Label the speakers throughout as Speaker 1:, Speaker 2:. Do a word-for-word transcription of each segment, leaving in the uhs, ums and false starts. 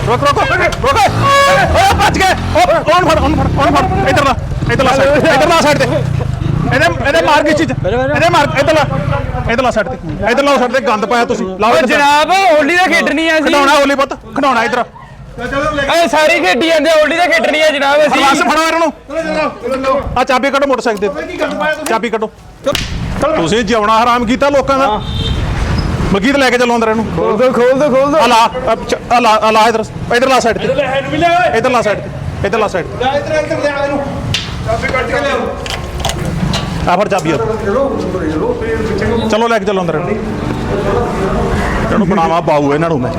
Speaker 1: ਰੁਕ ਰੁਕ ਰੁਕ ਓਏ ਭੱਜ ਗਏ ਕੌਣ ਫੜ ਉਹਨੂੰ ਫੜ ਉਹਨੂੰ ਫੜ ਇਧਰ ਲਾ ਇਧਰ ਲਾ ਸਾਈਡ ਇਧਰ ਲਾ ਸਾਈਡ ਤੇ ਇਹਦੇ ਇਹਦੇ ਮਾਰ ਕੇ ਚੀਜ਼ ਇਹਦੇ ਮਾਰ ਇਧਰ ਲਾ ਇਧਰ ਲਾ ਸਾਈਡ ਤੇ ਇਧਰ ਲਾਓ ਸਾਈਡ ਤੇ ਗੰਦ ਪਾਇਆ ਤੁਸੀਂ ਲਾਓ
Speaker 2: ਜਨਾਬ ਹੋਲੀ ਦਾ ਖੇਡਣੀ ਆ ਸੀ
Speaker 1: ਖਡਾਉਣਾ ਹੋਲੀ ਪੁੱਤ ਖਡਾਉਣਾ ਇਧਰ
Speaker 2: ਏ ਸਾਰੀ ਖੇਡੀ ਜਾਂਦੇ ਹੋਲੀ ਦਾ ਖੇਡਣੀ ਆ ਜਨਾਬ ਅਸੀਂ
Speaker 1: ਬਸ ਫੜੋ ਇਹਨਾਂ ਨੂੰ ਆ ਚਾਬੀ ਕੱਢੋ ਮੋਟਰਸਾਈਕਲ ਤੇ ਚਾਬੀ ਕੱਢੋ ਤੁਸੀਂ ਜਿਉਣਾ ਹਰਾਮ ਕੀਤਾ ਲੋਕਾਂ ਦਾ ਮਲਕੀਤ ਲੈ ਕੇ ਚੱਲੋ ਅੰਦਰ ਇਹਨੂੰ
Speaker 2: ਖੋਲ ਦੋ ਖੋਲ ਦੋ ਖੋਲ ਦੋ
Speaker 1: ਆ ਲਾ ਆ ਲਾ ਆ ਲਾ ਇਧਰ ਇਧਰ ਲਾ ਸਾਈਡ ਤੇ ਇਧਰ ਲਾ ਸਾਈਡ ਤੇ ਇਧਰ ਲਾ ਸਾਈਡ ਤੇ
Speaker 3: ਇਧਰ ਇਧਰ ਲਿਆ ਇਹਨੂੰ ਚਾਬੀ ਕੱਢ ਕੇ ਲਿਆਓ
Speaker 1: ਆ ਫੜ ਚਾਬੀ ਚਲੋ ਲੈ ਕੇ ਚੱਲੋ ਅੰਦਰ ਇਹਨੂੰ ਬਣਾਵਾ ਪਾਊ ਇਹਨਾਂ ਨੂੰ ਮੈਂ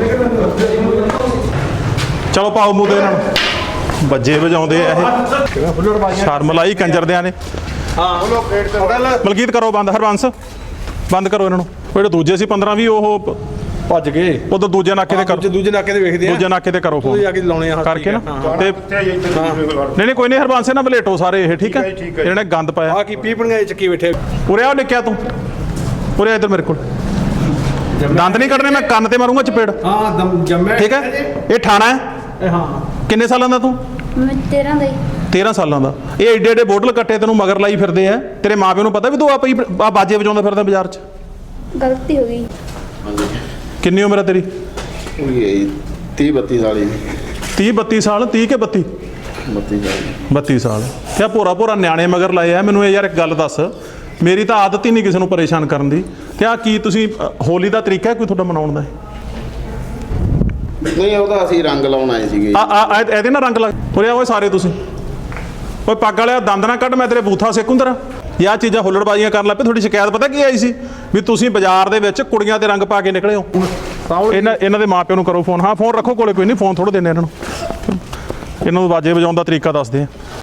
Speaker 1: ਚਲੋ ਪਾਓ ਮੂੰਹ ਦੇ ਇਹਨਾਂ ਨੂੰ ਬੱਜੇ ਵਜਾਉਂਦੇ ਆ ਇਹ ਸ਼ਰਮ ਲਾਈ ਕੰਜਰਦਿਆਂ ਨੇ
Speaker 3: ਹਾਂ ਉਹ ਪਲੇਟ ਤੇ
Speaker 1: ਮਲਕੀਤ ਕਰੋ ਬੰਦ ਹਰਬੰਸ ਬੰਦ ਕਰੋ ਇਹਨਾਂ ਨੂੰ ਜਿਹੜੇ ਦੂਜੇ ਸੀ ਪੰਦਰਾਂ ਵੀਹ ਉਹ
Speaker 3: ਭੱਜ ਗਏ
Speaker 1: ਉਧਰ ਦੂਜੇ ਨਾਕੇ ਤੇ ਕਰੋ
Speaker 3: ਦੂਜੇ ਨਾਕੇ ਤੇ ਵੇਖਦੇ ਆ
Speaker 1: ਦੂਜੇ ਨਾਕੇ ਤੇ ਕਰੋ ਫੋਨ
Speaker 3: ਜਾ ਕੇ ਲਾਉਣੇ ਆ
Speaker 1: ਕਰਕੇ ਨਾ ਤੇ ਨਹੀਂ ਨਹੀਂ ਕੋਈ ਨਹੀਂ ਹਰਬੰਸ ਨਾ ਬਲੇਟੋ ਸਾਰੇ ਇਹ ਠੀਕ ਹੈ ਇਹਨਾਂ ਨੇ ਗੰਦ ਪਾਇਆ
Speaker 3: ਆ ਕੀ ਪੀਪਣੀਆਂ ਚੱਕੀ ਬੈਠੇ
Speaker 1: ਉਰੇ ਆ ਨਿੱਕਿਆ ਤੂੰ ਉਰੇ ਇੱਧਰ ਮੇਰੇ ਕੋਲ ਦੰਦ ਨਹੀਂ ਕੱਢਣੇ ਮੈਂ ਕੰਨ ਤੇ ਮਾਰੂੰਗਾ ਚਪੇੜ
Speaker 3: ਹਾਂ ਦਮ ਜੰਮੇ
Speaker 1: ਠੀਕ ਹੈ ਇਹ ਠਾਣਾ ਹੈ
Speaker 3: ਹਾਂ
Speaker 1: ਕਿੰਨੇ ਸਾਲਾਂ ਦਾ ਤੂੰ
Speaker 4: ਮੈਂ ਤੇਰਾਂ ਦਾ ਹੀ
Speaker 1: ਤੇਰਾਂ ਸਾਲਾਂ ਦਾ ਇਹ ਏਡੇ ਏਡੇ ਬੋਟਲ ਕੱਟੇ ਤੈਨੂੰ ਮਗਰ ਲਾਈ ਫਿਰਦੇ ਆ ਤੇਰੇ ਮਾਪਿਆਂ ਨੂੰ ਪਤਾ ਵੀ ਤੂੰ ਆ ਪਈ ਆ ਬਾਜੇ ਵਜਾਉਂਦਾ ਫਿਰਦਾ ਬਾਜ਼ਾਰ 'ਚ
Speaker 4: ਗਲਤੀ ਹੋ ਗਈ
Speaker 1: ਕਿੰਨੀ ਉਮਰ ਹੈ ਤੇਰੀ
Speaker 5: ਤੀਹ ਬੱਤੀ ਸਾਲ ਹੀ
Speaker 1: ਤੀਹ ਬੱਤੀ ਸਾਲ ਤੀਹ ਕੇ ਬੱਤੀ
Speaker 5: ਬੱਤੀ ਸਾਲ
Speaker 1: ਬੱਤੀ ਸਾਲ ਕਿਆ ਭੋਰਾ ਭੋਰਾ ਨਿਆਣੇ ਮਗਰ ਲਾਏ ਆ ਮੈਨੂੰ ਇਹ ਯਾਰ ਇੱਕ ਗੱਲ ਦੱਸ ਮੇਰੀ ਤਾਂ ਆਦਤ ਹੀ ਨਹੀਂ ਕਿਸੇ ਨੂੰ ਪਰੇਸ਼ਾਨ ਕਰਨ ਦੀ ਤੇ ਆ ਕੀ ਤੁਸੀਂ ਹੋਲੀ ਦਾ ਤਰੀਕਾ ਹੈ ਕੋਈ ਤੁਹਾਡਾ ਮਨਾਉਣ ਦਾ
Speaker 5: ਨਹੀਂ ਉਹਦਾ ਅਸੀਂ ਰੰਗ ਲਾਉਣ ਆਏ ਸੀਗੇ
Speaker 1: ਆ ਆ ਇਹਦੇ ਨਾਲ ਰੰਗ ਲੱਗ ਉਰੇ ਓਏ ਸਾਰੇ ਤੁਸੀਂ ਓਏ ਪੱਗ ਵਾਲਿਆ ਦੰਦ ਨਾ ਕੱਢ ਮੈਂ ਤੇਰੇ ਬੂਥਾ ਸੇਕੁੰਦਰ ਇਹ ਚੀਜ਼ਾਂ ਹੁੱਲੜਬਾਜ਼ੀਆਂ ਕਰਨ ਲੱਗ ਪਏ ਤੁਹਾਡੀ ਸ਼ਿਕਾਇਤ ਪਤਾ ਕੀ ਆਈ ਸੀ ਵੀ ਤੁਸੀਂ ਬਾਜ਼ਾਰ ਦੇ ਵਿੱਚ ਕੁੜੀਆਂ ਤੇ ਰੰਗ ਪਾ ਕੇ ਨਿਕਲੇ ਹੋ ਇਹਨਾਂ ਇਹਨਾਂ ਦੇ ਮਾਪਿਆਂ ਨੂੰ ਕਰੋ ਫੋਨ ਹਾਂ ਫੋਨ ਰੱਖੋ ਕੋਲੇ ਕੋਈ ਨਹੀਂ ਫੋਨ ਥੋੜ੍ਹਾ ਦਿੰਦੇ ਇਹਨਾਂ ਨੂੰ ਇਹਨਾਂ ਨੂੰ ਬਾਜੇ ਵਜਾਉਣ ਦਾ ਤਰੀਕਾ ਦੱਸਦੇ ਆ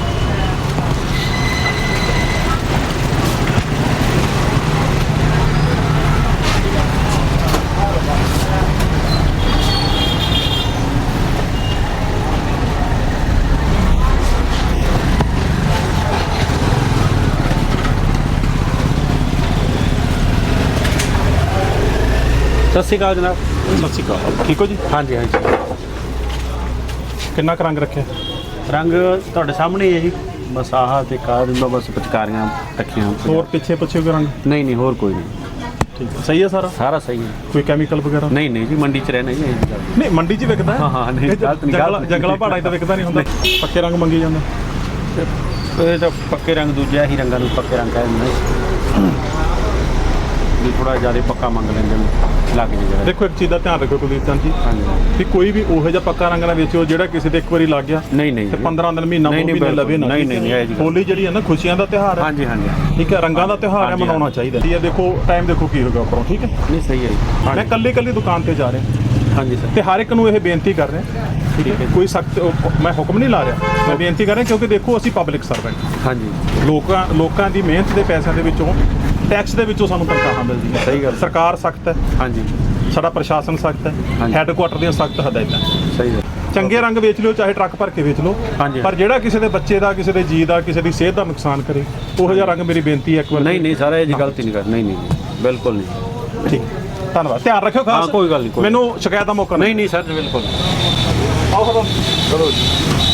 Speaker 6: ਸਤਿ ਸ਼੍ਰੀ ਅਕਾਲ ਜਨਾਬ
Speaker 1: ਸਤਿ ਸ਼੍ਰੀ ਅਕਾਲ ਠੀਕ ਹੋ ਜੀ
Speaker 6: ਹਾਂਜੀ ਹਾਂਜੀ
Speaker 1: ਕਿੰਨਾ ਕੁ ਰੰਗ ਰੱਖਿਆ
Speaker 6: ਰੰਗ ਤੁਹਾਡੇ ਸਾਹਮਣੇ ਹੀ ਹੈ ਜੀ ਬਸ ਆਹ ਤੇ ਕਾਹ ਦਿੰਦਾ ਬਸ ਪਿਚਕਾਰੀਆਂ ਰੱਖੀਆਂ
Speaker 1: ਹੋਰ ਪਿੱਛੇ ਪਿੱਛੇ ਕੋਈ ਰੰਗ
Speaker 6: ਨਹੀਂ ਨਹੀਂ ਹੋਰ ਕੋਈ ਨਹੀਂ
Speaker 1: ਠੀਕ ਹੈ ਸਹੀ ਹੈ ਸਾਰਾ
Speaker 6: ਸਾਰਾ ਸਹੀ ਹੈ
Speaker 1: ਕੋਈ ਕੈਮੀਕਲ ਵਗੈਰਾ
Speaker 6: ਨਹੀਂ ਨਹੀਂ ਜੀ ਮੰਡੀ 'ਚ ਰਹਿਣਾ ਜੀ ਇਹ ਗੱਲ
Speaker 1: ਨਹੀਂ ਮੰਡੀ 'ਚ ਵਿਕਦਾ ਹੈ
Speaker 6: ਹਾਂ ਹਾਂ ਨਹੀਂ ਗਲਤ ਨਹੀਂ
Speaker 1: ਜੰਗਲਾ
Speaker 6: ਗਲਤ
Speaker 1: ਜੰਗਲਾ ਪਹਾੜਾਂ 'ਚ ਤਾਂ ਵਿਕਦਾ ਨਹੀਂ ਹੁੰਦਾ ਪੱਕੇ ਰੰਗ ਮੰਗੀ ਜਾਂਦੇ
Speaker 6: ਇਹ ਤਾਂ ਪੱਕੇ ਰੰਗ ਦੂਜੇ ਹੀ ਰੰਗਾਂ ਨੂੰ ਪੱਕੇ ਰੰਗ ਕਹਿੰਦੇ ਨੇ ਵੀ ਥੋੜਾ ਜ਼ਿਆਦਾ ਪੱਕਾ ਮੰਗ ਲੈਂਦੇ ਨੇ ਲੱਗ ਜੇ
Speaker 1: ਦੇਖੋ ਇੱਕ ਚੀਜ਼ ਦਾ ਧਿਆਨ ਰੱਖੋ ਕੁਲਦੀਪ ਚੰਦ ਜੀ
Speaker 6: ਹਾਂਜੀ
Speaker 1: ਵੀ ਕੋਈ ਵੀ ਉਹੋ ਜਿਹਾ ਪੱਕਾ ਰੰਗ ਨਾ ਵੇਚੋ ਜਿਹੜਾ ਕਿਸੇ ਤੇ ਇੱਕ ਵਾਰੀ ਲੱਗ ਗਿਆ
Speaker 6: ਨਹੀਂ ਨਹੀਂ
Speaker 1: ਤੇ ਪੰਦਰਾਂ ਦਿਨ ਮਹੀਨਾ
Speaker 6: ਨਹੀਂ,
Speaker 1: ਮਹੀਨੇ ਲਵੇ ਨਾ
Speaker 6: ਨਹੀਂ, ਨਹੀਂ, ਨਹੀਂ, ਇਹ ਜੀ ਗੱਲ।
Speaker 1: ਹੋਲੀ ਜਿਹੜੀ ਹੈ ਨਾ ਖੁਸ਼ੀਆਂ ਦਾ ਤਿਉਹਾਰ ਹੈ
Speaker 6: ਹਾਂਜੀ ਹਾਂਜੀ
Speaker 1: ਠੀਕ ਹੈ ਰੰਗਾਂ ਦਾ ਤਿਉਹਾਰ ਹੈ
Speaker 6: ਹਾਂਜੀ,
Speaker 1: ਮਨਾਉਣਾ ਚਾਹੀਦਾ ਇਹ ਦੇਖੋ ਟਾਈਮ ਦੇਖੋ ਕੀ ਹੋਗਾ ਉੱਪਰੋਂ ਠੀਕ ਹੈ
Speaker 6: ਨਹੀਂ ਸਹੀ ਹੈ ਜੀ
Speaker 1: ਮੈਂ ਕੱਲੀ ਕੱਲੀ ਦੁਕਾਨ ਤੇ ਜਾ ਰਿਹਾ
Speaker 6: ਹਾਂਜੀ ਸਰ
Speaker 1: ਤੇ ਹਰ ਇੱਕ ਨੂੰ ਇਹ ਬੇਨਤੀ ਕਰ ਰਿਹਾ ਠੀਕ ਹੈ ਕੋਈ ਸਖਤ ਮੈਂ ਹੁਕਮ ਨਹੀਂ ਲਾ ਰਿਹਾ ਮੈਂ ਬੇਨਤੀ ਕਰ ਰਿਹਾ ਕਿਉਂਕਿ ਦੇਖੋ ਅਸੀਂ ਪਬਲਿਕ ਸਰਵੈਂਟ
Speaker 6: ਹਾਂਜੀ
Speaker 1: ਲੋਕਾਂ ਲੋਕਾਂ ਦੀ ਮਿਹਨਤ ਦੇ ਪੈਸਿਆਂ ਦੇ ਵਿੱਚੋਂ ਟੈਕਸ ਦੇ ਵਿੱਚੋਂ ਸਾਨੂੰ ਤਨਖਾਹਾਂ ਮਿਲਦੀਆਂ
Speaker 6: ਸਹੀ ਗੱਲ
Speaker 1: ਸਰਕਾਰ ਸਖਤ ਹੈ
Speaker 6: ਹਾਂਜੀ
Speaker 1: ਸਾਡਾ ਪ੍ਰਸ਼ਾਸਨ ਸਖਤ ਹੈ
Speaker 6: ਹਾਂਜੀ।
Speaker 1: ਹੈੱਡਕੁਆਟਰ ਦੀਆਂ ਸਖਤ ਹਦਾਇਤਾਂ
Speaker 6: ਸਹੀ ਹੈ
Speaker 1: ਚੰਗੇ ਰੰਗ ਵੇਚ ਲਿਓ ਚਾਹੇ ਟਰੱਕ ਭਰ ਕੇ ਵੇਚ ਲਓ
Speaker 6: ਹਾਂਜੀ।
Speaker 1: ਪਰ ਜਿਹੜਾ ਕਿਸੇ ਦੇ ਬੱਚੇ ਦਾ ਕਿਸੇ ਦੇ ਜੀ ਦਾ ਕਿਸੇ ਦੀ ਸਿਹਤ ਦਾ ਨੁਕਸਾਨ ਕਰੇ ਉਹੋ ਜਿਹਾ ਰੰਗ ਮੇਰੀ ਬੇਨਤੀ ਹੈ ਇੱਕ ਵਾਰ
Speaker 6: ਨਹੀਂ ਨਹੀਂ ਸਾਰਾ ਇਹ ਜੀ ਗਲਤੀ ਨਹੀਂ ਕਰ ਨਹੀਂ ਨਹੀਂ ਬਿਲਕੁਲ ਨਹੀਂ
Speaker 1: ਠੀਕ ਧੰਨਵਾਦ ਧਿਆਨ ਰੱਖਿਓ ਖਾਸ
Speaker 6: ਹਾਂ, ਕੋਈ ਗੱਲ ਨਹੀਂ, ਕੋਈ
Speaker 1: ਮੈਨੂੰ ਸ਼ਿਕਾਇਤ ਦਾ ਮੌਕਾ
Speaker 6: ਨਹੀਂ ਨਹੀਂ ਸਰ ਬਿਲਕੁਲ
Speaker 1: ਆਓ ਖੜੋ
Speaker 6: ਚਲੋ ਜੀ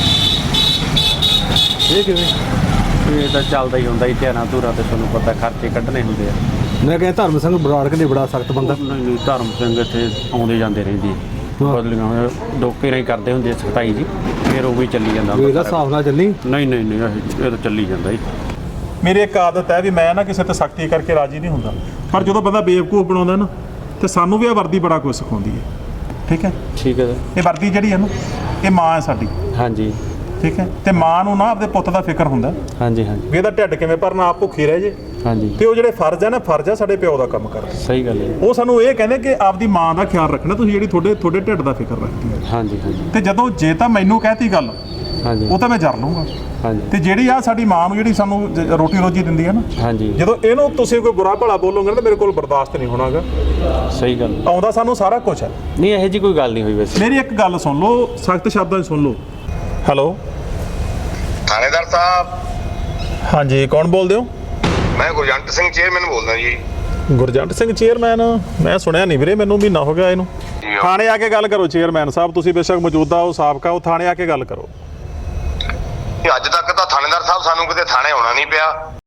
Speaker 6: ਇਹ ਕਿਵੇਂ ਇਹ ਤਾਂ ਚੱਲਦਾ ਹੀ ਹੁੰਦਾ ਧਿਆਨਾਂ ਧੂਰਾ ਤੇ ਤੁਹਾਨੂੰ ਪਤਾ ਖਰਚੇ ਕੱਢਣੇ ਹੁੰਦੇ ਆ
Speaker 3: ਮੈਂ ਕਹਿੰਦਾ ਧਰਮ ਸਿੰਘ ਬਰਾੜਕ ਨੇ ਬੜਾ ਸਖਤ ਬੰਦਾ
Speaker 6: ਨਹੀਂ ਨਹੀਂ ਧਰਮ ਸਿੰਘ ਇੱਥੇ ਆਉਂਦੇ ਜਾਂਦੇ ਰਹਿੰਦੇ ਬਦਲੀਆਂ ਹੋਇਆ ਡੋਕੇ ਨਹੀਂ ਕਰਦੇ ਹੁੰਦੇ ਸਖਤਾਈ ਜੀ ਫਿਰ ਉਹ ਵੀ ਚੱਲੀ ਜਾਂਦਾ
Speaker 3: ਇਹਦਾ ਹਿਸਾਬ ਨਾਲ ਚੱਲੀ
Speaker 6: ਨਹੀਂ ਨਹੀਂ ਨਹੀਂ ਇਹ ਇਹ ਤਾਂ ਚੱਲੀ ਜਾਂਦਾ ਜੀ
Speaker 1: ਮੇਰੀ ਇੱਕ ਆਦਤ ਹੈ ਵੀ ਮੈਂ ਨਾ ਕਿਸੇ ਤੇ ਸਖਤੀ ਕਰਕੇ ਰਾਜੀ ਨਹੀਂ ਹੁੰਦਾ ਪਰ ਜਦੋਂ ਬੰਦਾ ਬੇਵਕੂਫ ਬਣਾਉਂਦਾ ਨਾ ਤੇ ਸਾਨੂੰ ਵੀ ਇਹ ਵਰਦੀ ਬੜਾ ਕੁਝ ਸਿਖਾਉਂਦੀ ਹੈ ਠੀਕ ਹੈ
Speaker 6: ਠੀਕ ਹੈ ਸਰ
Speaker 1: ਇਹ ਵਰਦੀ ਜਿਹੜੀ ਹੈ ਨਾ ਇਹ ਮਾਂ ਹੈ ਸਾਡੀ
Speaker 6: ਹਾਂਜੀ
Speaker 1: ਠੀਕ ਹੈ ਤੇ ਮਾਂ ਨੂੰ ਨਾ ਆਪਦੇ ਪੁੱਤ ਦਾ ਫਿਕਰ ਹੁੰਦਾ
Speaker 6: ਹਾਂਜੀ ਹਾਂਜੀ
Speaker 1: ਵੀ ਇਹਦਾ ਢਿੱਡ ਕਿਵੇਂ ਭਰਨਾ ਆਪ ਭੁੱਖੀ ਰਹਿ ਜੇ
Speaker 6: ਹਾਂਜੀ
Speaker 1: ਤੇ ਉਹ ਜਿਹੜੇ ਫਰਜ਼ ਹੈ ਨਾ ਫਰਜ਼ ਹੈ ਸਾਡੇ ਪਿਓ ਦਾ ਕੰਮ ਕਰਦੇ
Speaker 6: ਸਹੀ ਗੱਲ ਹੈ
Speaker 1: ਉਹ ਸਾਨੂੰ ਇਹ ਕਹਿੰਦੇ ਕਿ ਆਪਦੀ ਮਾਂ ਦਾ ਖਿਆਲ ਰੱਖਣਾ ਤੁਸੀਂ ਜਿਹੜੀ ਤੁਹਾਡੇ ਤੁਹਾਡੇ ਢਿੱਡ ਦਾ ਫਿਕਰ ਰੱਖਦੀ ਹੈ
Speaker 6: ਹਾਂਜੀ ਹਾਂਜੀ
Speaker 1: ਤੇ ਜਦੋਂ ਜੇ ਤਾਂ ਮੈਨੂੰ ਕਹਿਤੀ ਗੱਲ
Speaker 6: ਹਾਂਜੀ
Speaker 1: ਉਹ ਤਾਂ ਮੈਂ ਜਰ ਲੂੰਗਾ
Speaker 6: ਹਾਂਜੀ
Speaker 1: ਤੇ ਜਿਹੜੀ ਆ ਸਾਡੀ ਮਾਂ ਨੂੰ ਜਿਹੜੀ ਸਾਨੂੰ ਜ- ਰੋਟੀ ਰੋਜੀ ਦਿੰਦੀ ਹੈ ਨਾ
Speaker 6: ਹਾਂਜੀ
Speaker 1: ਜਦੋਂ ਇਹਨੂੰ ਤੁਸੀਂ ਕੋਈ ਬੁਰਾ ਭਲਾ ਬੋਲੋਗੇ ਨਾ ਤਾਂ ਮੇਰੇ ਕੋਲ ਬਰਦਾਸ਼ਤ ਨਹੀਂ ਹੋਣਾਗਾ
Speaker 6: ਸਹੀ ਗੱਲ
Speaker 1: ਆਉਂਦਾ ਸਾਨੂੰ ਸਾਰਾ ਕੁਝ ਹੈ
Speaker 6: ਨਹੀਂ ਇਹੋ ਜੀ ਕੋਈ ਗੱਲ ਨਹੀਂ ਹੋਈ ਵੈਸੇ
Speaker 1: ਮੇਰੀ ਇੱਕ ਗੱਲ ਸੁਣ ਲਓ ਸਖਤ ਸ਼ਬਦਾਂ 'ਚ ਸੁਣ ਲਓ ਹੈਲੋ
Speaker 7: ਥਾਣੇਦਾਰ ਸਾਹਿਬ
Speaker 1: ਹਾਂਜੀ ਕੌਣ ਬੋਲਦੇ ਹੋ
Speaker 7: ਮੈਂ ਗੁਰਜੰਟ ਸਿੰਘ ਚੇਅਰਮੈਨ ਬੋਲਦਾ ਜੀ
Speaker 1: ਗੁਰਜੰਟ ਸਿੰਘ ਚੇਅਰਮੈਨ ਮੈਂ ਸੁਣਿਆ ਨਹੀਂ ਵੀਰੇ ਮੈਨੂੰ ਮਹੀਨਾ ਹੋ ਗਿਆ ਇਹਨੂੰ
Speaker 7: ਜੀ ਉਹ-
Speaker 1: ਥਾਣੇ ਆ ਕੇ ਗੱਲ ਕਰੋ ਚੇਅਰਮੈਨ ਸਾਹਿਬ, ਤੁਸੀਂ ਬੇਸ਼ੱਕ ਮੌਜੂਦਾ ਹੋ ਸਾਬਕਾ, ਉਹ ਥਾਣੇ ਆ ਕੇ ਗੱਲ ਕਰੋ।
Speaker 7: ਅੱਜ ਤੱਕ ਤਾਂ ਥਾਣੇਦਾਰ ਸਾਹਿਬ ਸਾਨੂੰ ਕਿਤੇ ਥਾਣੇ ਆਉਣਾ ਨਹੀਂ ਪਿਆ।